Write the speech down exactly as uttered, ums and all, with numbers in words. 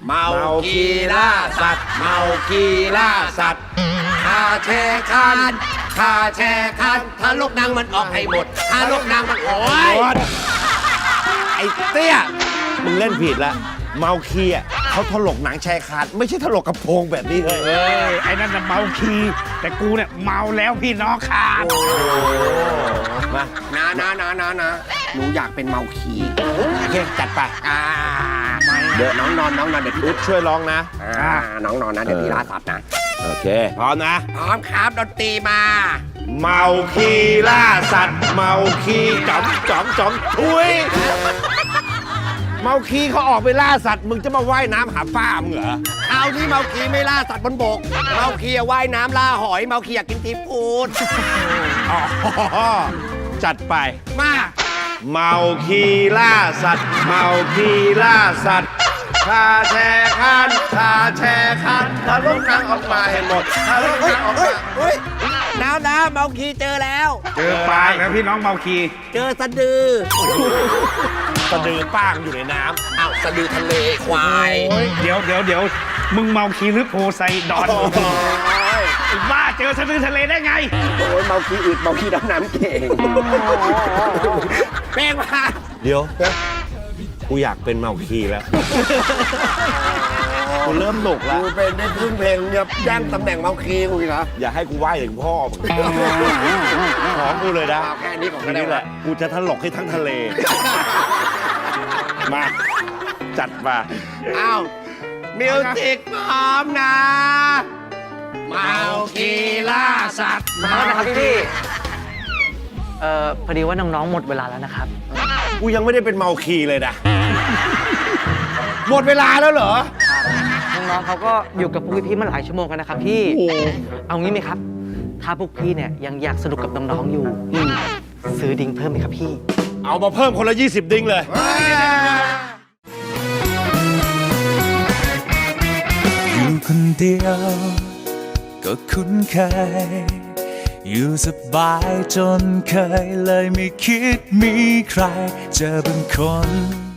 เมาคีล่าสัตว์เมาคีล่าสัตว์ข้าแช่คันข้าแช่คันถ้าลูกนางมันออกให้หมดถ้าลูกนางมันโอ้ยไอ้เตี้ยมึงเล่นผิดละเมาคีอ่ะเขาถลกหนังชายคาดไม่ใช่ถลกกระโปรงแบบนี้เลยเอ้ยไอ้นั่นน่ะเมาคีแต่กูเนี่ยเมาแล้วพี่น้องขาดมานะนะนะนะนะหนูอยากเป็นเมาคีโอเคจัดไปอ่าเดี๋ยวน้องนอนน้องนอนเดี๋ยวพี่อุ๊ดช่วยร้องนะอ่าน้องนอนนะเดี๋ยวพี่ล่าสัตว์นะโอเคพร้อมนะพร้อมครับดนตรีมาเมาคีล่าสัตว์ เมาคีจ๋อมจ๋อมจ๋อมทุยเมาคีเขาออกไปล่าสัตว์มึงจะมาว่ายน้ำหาป้ามึงเหรอคราวนี้เมาคีไม่ล่าสัตว์บนบก เมาคีอะว่ายน้ำล่าหอย เมาคีอยากกินทีฟูดอ๋อจัดไปมาเมาคีล่าสัตว์ เมาคีล่าสัตว์ข้าแช่คันข้าแช่คันถ้าลูกนางออกมาให้หมดถ้าลูกนางออกมาเฮ้ยน้ำน้ำเมาคีเจอแล้วเจอปลาแล้วพี่น้องเมาคีเจอสะดือสะดือป้างอยู่ในน้อ้าวสะดือทะเลควายโอ้ยเดี๋ยวเดี๋ยวเดี๋ยวมึงเมาคีหรือโพไซดอนไอ้บ้าเจอสะดือทะเลได้ไงโอ้ยเมาคีอึดเมาคีดำน้ำเก่งแป้งมาำเดี๋ยวกูอยากเป็นเมาคีแล้วกูเริ่มหนุกแล้วกูเป็นได้ครึ่งเพลงเนี่ยแย่งตำแหน่งเมาคีกูอีกเหรออย่าให้กูไหว้ถึงพ่อมึงขอกูเลยนะเอาแค่นี้ก่อนทีก็ได้นี้แหละละกูจะถลกให้ทั้งทะเล มาจัดมาอ้าวมิวสิกพร้อมนะ เมาคีล่าสัตว์ขอโทษนะครับพี่ๆเอ่อพอดีว่าน้องๆ หมดเวลาแล้วนะครับกูยังไม่ได้เป็นเมาคีเลยนะ หมดเวลาแล้วเหรอน้องๆเขาก็อยู่กับพวกพี่ๆมาหลายชั่วโมงกันนะครับพี่โอ้โหเอางี้ไหมครับ ถ้าพวกพี่เนี่ยยังอยากสนุกกับน้องๆ อยู่อืมซื้อดิ้งเพิ่มไหมครับพี่เอามาเพิ่มคนละยี่สิบดิ้งเลยอยู่คนเดียวก็คุ้นเคย อยู่สบายจนเคยเลยไม่คิดมีใครเจอบางคน